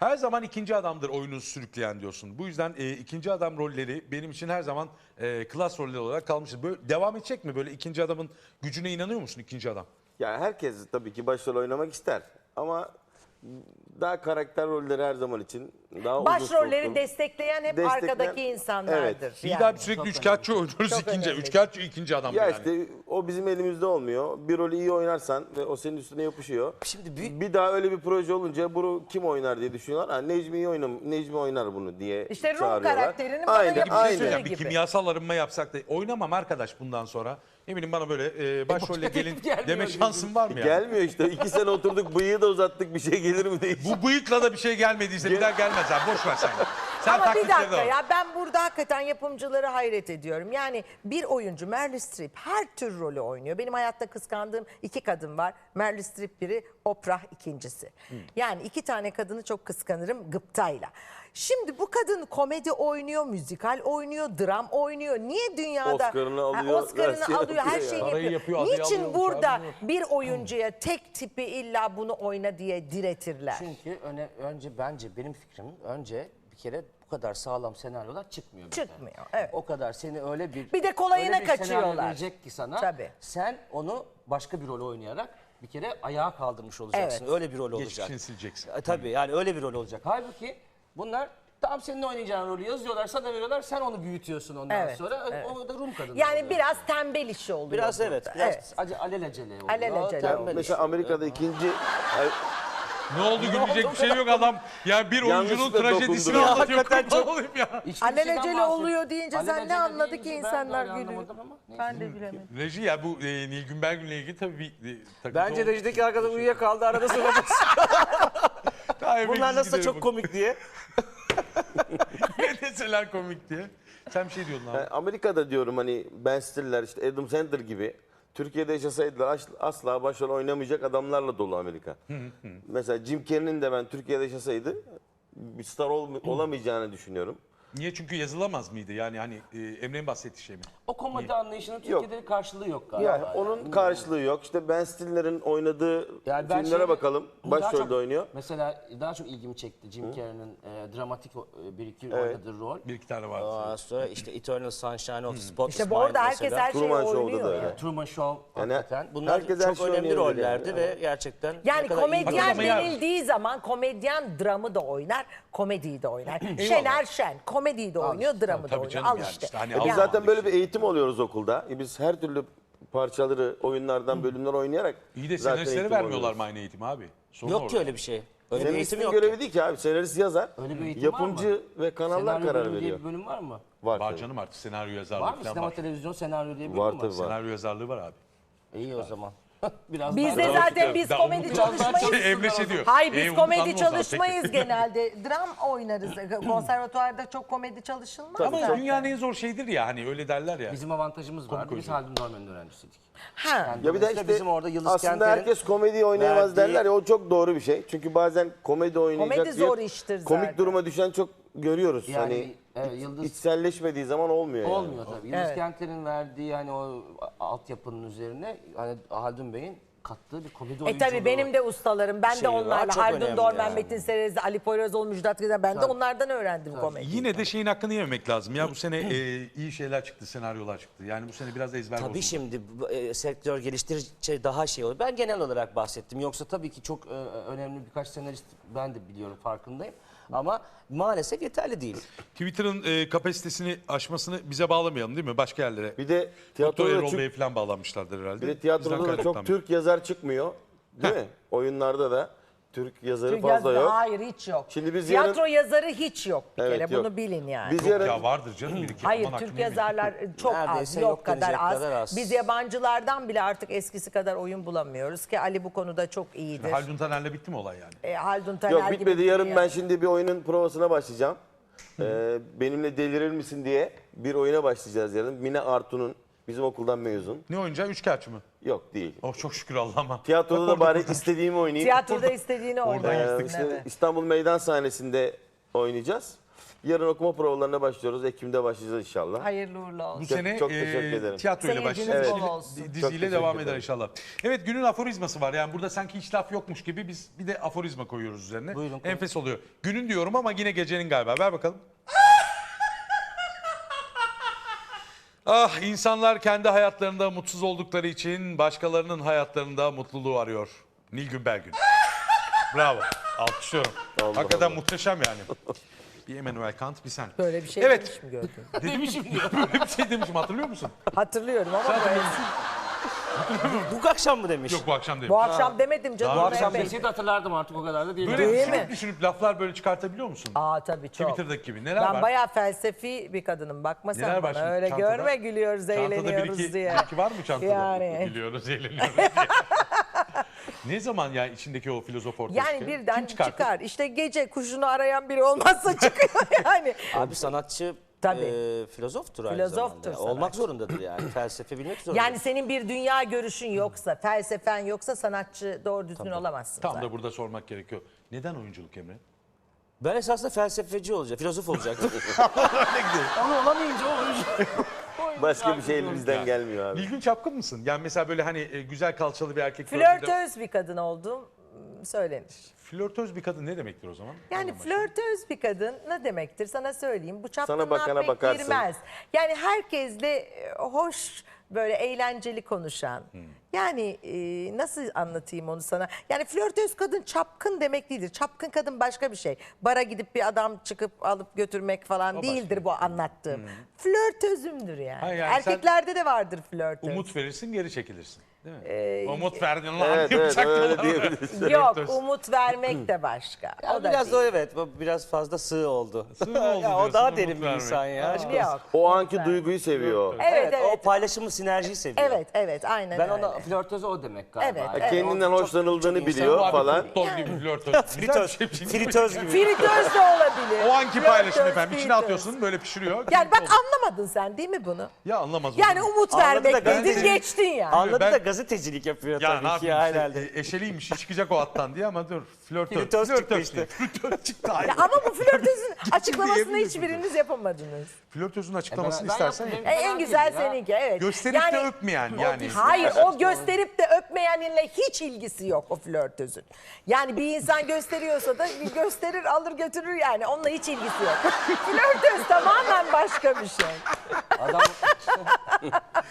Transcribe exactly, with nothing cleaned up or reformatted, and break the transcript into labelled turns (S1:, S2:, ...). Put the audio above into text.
S1: Her zaman ikinci adamdır oyunu sürükleyen diyorsun. Bu yüzden e, ikinci adam rolleri benim için her zaman e, klas roller olarak kalmıştır. Böyle devam edecek mi? Böyle ikinci adamın gücüne inanıyor musun ikinci adam?
S2: Yani herkes tabii ki başrol oynamak ister ama daha karakter rolleri her zaman için daha uzun
S3: Başrolleri
S2: soluklu.
S3: destekleyen hep
S2: Destekleyen-
S3: arkadaki insanlardır.
S2: Evet.
S1: İyi
S3: yani.
S1: daha bir sürekli üçkağıtçı oynuyoruz
S3: Çok
S1: ikinci.
S3: önemli.
S1: Üçkağıtçı ikinci adam
S2: Ya
S1: yani.
S2: işte o bizim elimizde olmuyor. Bir rolü iyi oynarsan ve o senin üstüne yapışıyor.
S4: Şimdi büyük-
S2: Bir daha öyle bir proje olunca bunu kim oynar diye düşünüyorlar. Ha, Necmi iyi oynam, Necmi oynar bunu diye
S3: İşte Rum
S2: çağırıyorlar.
S3: karakterinin bana
S2: Aynen,
S3: yapıştığı
S1: Bir şey
S2: aynen.
S1: söyleyeceğim. Bir
S3: gibi.
S1: kimyasal arınma yapsak da oynamam arkadaş bundan sonra. Eminim bana böyle e, başrolle gelin
S4: gelmiyor
S1: deme
S4: gözüm.
S1: şansın var mı yani?
S2: Gelmiyor işte. İki sene oturduk, bıyığı da uzattık. Bir şey gelir mi diye.
S1: Bu bıyıkla da bir şey gelmediyse bir daha gelmez abi. Boş ver sen. Sen
S3: Ama bir
S1: taklitleri
S3: dakika
S1: al.
S3: ya, ben burada hakikaten yapımcıları hayret ediyorum. Yani bir oyuncu Meryl Streep her tür rolü oynuyor. Benim hayatta kıskandığım iki kadın var. Meryl Streep biri, Oprah ikincisi. Yani iki tane kadını çok kıskanırım gıptayla. Şimdi bu kadın komedi oynuyor, müzikal oynuyor, dram oynuyor. Niye dünyada
S2: Oscar'ını
S3: Ha,
S2: alıyor,
S3: Oscar'ını
S2: her şeyi
S3: alıyor, her
S2: yapıyor
S3: şeyini
S2: ya.
S1: Parayı
S3: yapıyor.
S1: yapıyor, adayı
S3: Niçin
S1: alıyormuş,
S3: burada
S1: almıyor.
S3: bir oyuncuya tek tipi illa bunu oyna diye diretirler?
S4: Çünkü öne, önce bence benim fikrim önce bir kere bu kadar sağlam senaryolar çıkmıyor. bizden.
S3: Çıkmıyor, evet.
S4: O kadar seni öyle bir
S3: Bir de kolayına
S4: öyle bir senaryo
S3: kaçıyorlar.
S4: verecek ki sana.
S3: Tabii.
S4: Sen onu başka bir rol oynayarak bir kere ayağa kaldırmış olacaksın.
S3: Evet.
S4: Öyle bir rol olacak.
S1: Geçmişini sileceksin.
S4: E, tabii yani öyle bir rol olacak. Halbuki bunlar tam senin oynayacağın rolü yazıyorlar, sana veriyorlar, sen onu büyütüyorsun ondan
S3: Evet,
S4: sonra.
S3: evet.
S4: O da Rum kadını
S3: Yani
S4: oluyor.
S3: biraz tembel işi oluyor.
S4: biraz
S3: burada.
S4: evet, biraz
S3: Evet.
S4: acı alelacele oluyor.
S3: Alelacele
S4: tembel
S3: oluyor.
S2: Mesela
S4: işi.
S2: Amerika'da ikinci...
S1: Ne oldu gülecek bir şey yok adam. Ya bir oyuncunun
S2: Yanlışlıkla
S1: trajedisini
S2: dokundu.
S1: anlatıyor.
S4: Hakikaten
S1: Kurban
S4: çok-
S1: olayım ya.
S4: İçki bir şeyden
S3: Alelacele
S4: bahsediyor.
S3: oluyor deyince sen ne
S4: Alelacele
S3: anladı
S4: deyince
S3: ki
S4: ben
S3: insanlar
S4: de
S3: gülüyor?
S4: anlamadım ama neyse.
S3: Ben de bilemedim.
S1: Reji ya bu e, Nilgün Belgün'le ilgili tabii bir e, takıntı
S4: Bence
S1: oldu.
S4: rejideki arkadaş uyuyakaldı arada sırada.
S1: Daha emeksiz
S4: Bunlar nasıl da
S1: giderim
S4: çok komik diye.
S1: Ne deseler komik diye. Sen bir şey diyordun abi.
S2: Yani Amerika'da diyorum hani Ben Stiller, işte Adam Sandler gibi Türkiye'de yaşasaydılar as- asla başrol oynamayacak adamlarla dolu Amerika. Mesela Jim Carrey'nin de ben Türkiye'de yaşasaydı bir star ol- olamayacağını düşünüyorum.
S1: Niye? Çünkü yazılamaz mıydı? Yani hani e, Emre'nin bahsettiği şey mi?
S4: O komedi anlayışının Türkiye'de karşılığı yok galiba.
S2: Yani onun karşılığı yok. İşte Ben Stiller'in oynadığı
S4: Yani ben
S2: filmlere
S4: şey-
S2: bakalım.
S4: daha çok-
S2: Başrolde oynuyor.
S4: Mesela daha çok ilgimi çekti Jim Carrey'nin e, dramatik o- e, bir iki oynadığı rol.
S1: Bir iki tane vardı.
S4: Ondan sonra işte Eternal Sunshine of the Spotless
S3: İşte bu
S4: Mind
S3: orada herkes
S4: mesela.
S3: her şeyi
S2: Truman Show'da
S3: oynuyor.
S2: da
S3: ya.
S2: öyle.
S4: Truman Show
S2: Yani
S4: hakikaten. Bunlar
S2: herkes her
S4: çok
S2: şeyi
S4: önemli
S2: oynayabilir
S4: rollerdi
S2: yani.
S4: ve gerçekten
S3: Yani
S4: ne kadar iyi
S3: komedyen
S1: Hakikaten ama ya-
S3: denildiği zaman komedyen dramı da oynar, komediyi de oynar. Şener Şen komediyi de oynuyor, dramı da
S1: Tabii
S3: oynuyor.
S1: canım
S3: Al
S1: yani
S3: işte.
S1: işte hani
S2: Biz
S1: Allah
S2: zaten böyle bir eğitim alıyoruz okulda. E Biz her türlü parçaları, oyunlardan bölümler oynayarak
S1: İyi de
S2: zaten
S1: senaristlere
S2: eğitim
S1: vermiyorlar
S2: alıyoruz.
S1: mı aynı eğitimi abi? Sorun
S4: Yok
S1: orada.
S4: ki öyle bir şey. Öyle bir eğitim
S2: Senaristin
S4: yok
S2: görevi
S4: ki.
S2: değil ki abi. Senarist yazar.
S4: Öyle bir eğitim
S2: Yapımcı
S4: var mı?
S2: ve kanallar
S4: Senaryo
S2: karar
S4: bölümü diye
S2: veriyor.
S4: bir bölüm var mı?
S2: Var,
S1: Var
S2: tabii.
S1: canım artık senaryo yazarlığı
S4: Var mı?
S1: falan
S4: Sinema,
S1: var.
S4: televizyon, senaryo diye bir
S2: Var
S4: bölüm
S2: tabii var.
S1: Senaryo yazarlığı var abi.
S4: İyi o zaman. Biraz
S3: Biz
S4: daha-
S3: de zaten biz
S1: Daha
S3: komedi
S1: unutma.
S3: çalışmayız.
S1: Emre şey diyor.
S3: Hayır
S1: E,
S3: biz
S1: unutalım o
S3: komedi
S1: zaman.
S3: çalışmayız genelde. Dram oynarız. Konservatuvarda çok komedi çalışılmaz.
S1: Ama
S3: zaten.
S1: dünyanın en zor şeyidir ya hani öyle derler ya.
S4: Bizim avantajımız vardı. Biz
S1: oyuncu.
S4: Haldun Dorman'ın öğrencisiydik.
S3: Ha.
S4: Yani
S2: Ya bir de
S4: dolayısıyla
S2: işte
S4: bizim orada Yıldız
S2: aslında
S4: Kenter'in
S2: herkes komedi oynayamaz
S4: verdiği-
S2: derler ya, o çok doğru bir şey. Çünkü bazen komedi oynayacak
S3: Komedi
S2: diye
S3: zor iştir
S2: komik
S3: zaten.
S2: duruma düşen çok görüyoruz.
S4: Yani,
S2: hani
S4: evet, Yıldız-
S2: içselleşmediği zaman olmuyor yani.
S4: olmuyor tabii. Yıldız
S3: Evet.
S4: Kenter'in verdiği hani o altyapının üzerine hani Haldun Bey'in kattığı bir komedi
S3: E
S4: oyunculuğu.
S3: tabii benim de ustalarım. Ben de
S4: şeyi var,
S3: onlarla.
S4: çok
S3: Haldun
S4: önemli
S3: Dorman,
S4: yani.
S3: Metin Serezli, Ali Poyrazoğlu, Müjdat Gezen. Ben de onlardan öğrendim komedi.
S1: Yine de şeyin hakkını yememek lazım. Ya bu sene e, iyi şeyler çıktı, senaryolar çıktı. Yani bu sene biraz da ezber
S4: Tabii
S1: bozuldu.
S4: şimdi bu, e, sektör geliştirdikçe daha şey olur. Ben genel olarak bahsettim. Yoksa tabii ki çok e, önemli birkaç senarist ben de biliyorum, farkındayım. Ama maalesef yeterli değil.
S1: Twitter'ın e, kapasitesini aşmasını bize bağlamayalım değil mi? Başka yerlere.
S2: Bir de
S1: Doktor
S2: tiyatroda da,
S1: Erol
S2: çok,
S1: Bey'e falan bağlanmışlardır herhalde.
S2: bir de
S1: Bizden
S2: tiyatroda da çok
S1: kaynaklanmıyor.
S2: Türk yazar çıkmıyor. Değil mi? Oyunlarda da Türk yazarı
S3: Çünkü
S2: fazla
S3: yaz-
S2: yok.
S3: Hayır hiç yok.
S2: Şimdi biz
S3: Tiyatro
S2: yarın-
S3: yazarı hiç yok bir
S2: Evet,
S3: kere.
S2: yok.
S3: Bunu bilin yani.
S2: Biz
S1: Yok
S2: yarın
S1: ya vardır canım bir iki.
S3: Hayır
S1: Aman
S3: Türk
S1: hakkını yemeyin.
S3: yazarlar çok az,
S4: Neredeyse
S3: yok
S4: yok
S3: kadar
S4: denecek
S3: az.
S4: kadar az.
S3: Biz yabancılardan bile artık eskisi kadar oyun bulamıyoruz ki Ali bu konuda çok iyidir.
S1: Haldun Taner'le bitti mi olay yani?
S3: E, Haldun Taner
S2: yok
S3: gibi
S2: bitmedi.
S3: biri
S2: Yarın
S3: yani.
S2: ben şimdi bir oyunun provasına başlayacağım. Ee, benimle delirir misin diye bir oyuna başlayacağız yarın. Mine Artun'un bizim okuldan mezun.
S1: Ne oyuncağı? Üçkağıtçı mı?
S2: Yok değil.
S1: Oh çok şükür Allah'ıma.
S2: Tiyatroda
S1: Bak
S2: da
S1: orada
S2: bari
S1: kurtulmuş.
S2: istediğimi oynayayım.
S3: Tiyatroda istediğini
S1: Oradan
S3: oynarsın.
S1: yırttık.
S2: İşte
S3: evet.
S2: İstanbul Meydan sahnesinde oynayacağız. Yarın okuma provalarına başlıyoruz. Ekim'de başlayacağız inşallah.
S3: Hayırlı uğurlu olsun.
S1: Bu
S2: Çok-
S1: sene
S2: çok
S1: e,
S2: teşekkür ederim.
S1: tiyatroyla
S3: Seyirciniz
S1: başlayacağız.
S3: bol
S1: Diziyle-
S3: olsun.
S2: Çok
S1: Diziyle
S2: teşekkür
S1: devam eder
S2: ederim.
S1: inşallah. Evet, günün aforizması var. Yani burada sanki hiç laf yokmuş gibi biz bir de aforizma koyuyoruz üzerine.
S4: Buyurun, koyun.
S1: Enfes oluyor. Günün diyorum ama yine gecenin galiba. Ver bakalım. Ah, insanlar kendi hayatlarında mutsuz oldukları için başkalarının hayatlarında mutluluğu arıyor. Nilgün Belgün. Bravo. Alkışlıyorum.
S2: Allah
S1: Hakikaten
S2: Allah.
S1: muhteşem yani. Bir Immanuel Kant, bir sen.
S3: Böyle bir şey
S1: Evet.
S3: demiş mi gördün?
S1: Demişim Böyle bir şey demişim, hatırlıyor musun?
S3: Hatırlıyorum ama böyle.
S4: Bu akşam mı demiş?
S1: Yok, bu akşam değil.
S3: Bu akşam demedim canım.
S1: Bu
S4: Bu akşam
S3: Mehmet.
S4: deseydi hatırlardım artık, o kadar da değil.
S1: Böyle
S3: Değil
S1: düşünüp
S3: mi?
S1: düşünüp laflar böyle çıkartabiliyor musun?
S3: Aa tabii çok.
S1: Twitter'daki gibi. Neler
S3: Ben
S1: var?
S3: bayağı felsefi bir kadınım. Bakma sen
S1: Neler var
S3: bana.
S1: şimdi
S3: Öyle
S1: çantada?
S3: görme, gülüyoruz,
S1: Çantada bir
S3: eğleniyoruz
S1: iki,
S3: diye.
S1: bir iki var mı çantada?
S3: Yani.
S1: Gülüyoruz, eğleniyoruz diye. Ne zaman ya içindeki o filozof ortaya
S3: Yani
S1: çıkıyor?
S3: birden
S1: Kim çıkarttı?
S3: çıkar. İşte gece kuşunu arayan biri olmazsa çıkıyor yani.
S4: Abi sanatçı
S3: Tabii.
S4: e, filozoftur aynı
S3: Filozoftur
S4: zamanda.
S3: sanatçı.
S4: Olmak zorundadır yani. Felsefe bilmek zorundadır.
S3: Yani senin bir dünya görüşün yoksa, felsefen yoksa sanatçı doğru düzgün olamazsın
S1: Tam
S3: zaten.
S1: da burada sormak gerekiyor. Neden oyunculuk Emre?
S4: Ben esasında felsefeci olacağım, filozof olacaktım.
S1: Öyle gidiyor.
S4: Onu olamayınca o oyuncu.
S2: Başka bir şey elimizden
S1: Yani.
S2: gelmiyor abi.
S1: Nilgün çapkın mısın? Yani mesela böyle hani e, güzel kalçalı bir erkek gördüğünde-
S3: Flörtöz bir kadın olduğum söylenir.
S1: Flörtöz bir kadın ne demektir o zaman?
S3: Yani
S1: Oradan başlayalım.
S3: flörtöz bir kadın ne demektir sana söyleyeyim. Bu
S2: Sana
S3: çapkınlığa
S2: bakana
S3: pek
S2: bakarsın.
S3: girmez. Yani herkesle e, hoş böyle eğlenceli konuşan.
S1: Hmm.
S3: Yani e, nasıl anlatayım onu sana? Yani flörtöz kadın çapkın demek değildir. Çapkın kadın başka bir şey. Bara gidip bir adam çıkıp alıp götürmek falan
S1: O
S3: değildir bu anlattığım. Flörtözümdür yani.
S1: Hayır, yani sen
S3: Erkeklerde de vardır flörtöz.
S1: Umut verirsin, geri çekilirsin. Değil mi?
S3: Ee,
S1: Umut verdin lan
S2: Evet
S1: diye
S2: evet
S1: bıçaklıyorlar
S2: öyle
S1: böyle.
S2: diyebiliriz.
S3: Yok
S1: Flörtöz.
S3: umut vermek de başka.
S4: Ya
S3: o da
S4: biraz
S3: değil.
S4: da evet, bu biraz fazla sığ oldu.
S1: Sığ mı oldu
S4: ya o
S1: diyorsun,
S4: daha
S1: umut
S4: derin bir
S1: vermek?
S4: insan ya. aşk olsun.
S3: Yok.
S2: O anki duyguyu seviyor.
S3: Evet
S4: Evet,
S3: evet.
S4: o paylaşımı, sinerjiyi seviyor.
S3: Evet evet aynen
S4: Ben
S3: öyle.
S4: ona flörtöz o demek galiba.
S3: Evet,
S4: Yani
S3: evet.
S2: Kendinden
S4: o çok-
S2: hoşlanıldığını
S4: çok
S2: biliyor
S1: Abi,
S2: falan.
S1: Fritöz gibi flörtöz. Güzel bir
S4: Fritöz,
S1: şey.
S4: fritöz gibi.
S3: Fritöz de olabilir.
S1: O anki paylaşım
S3: Flörtöz,
S1: efendim. İçine
S3: fritöz.
S1: atıyorsun, böyle pişiriyor.
S3: Yani bak
S1: Oldu.
S3: anlamadın sen değil mi bunu?
S1: Ya anlamaz
S3: Yani
S1: olur mu?
S3: umut
S4: Anladı da
S3: vermek dedin
S4: gazeteci-
S3: geçtin yani.
S4: Anladı
S1: Ben-
S4: da gazetecilik yapıyor
S1: Ya ne
S4: tabii ki
S1: yapayım
S4: ya
S1: işte,
S4: herhalde.
S1: e, eşeliymiş, çıkacak o attan diye ama dur. Flörtöz.
S4: Fritöz çıktı işte.
S1: değil. Flörtöz çıktı. Hayır.
S3: Ya ama bu flörtözün açıklamasını
S1: diyebilirsin.
S3: hiçbiriniz yapamadınız.
S1: Flörtözün açıklamasını
S4: ben
S1: istersen
S4: yaptım,
S1: yap.
S3: E, en güzel seninki evet.
S1: Gösterip de öpmeyen yani.
S3: Hayır o gösterip de öpmeyenle hiç ilgisi yok o flörtözün. Yani bir insan gösteriyorsa da bir gösterir alır götürür yani onunla hiç ilgisi yok. Flörtöz tamamen başka bir şey.
S4: Adam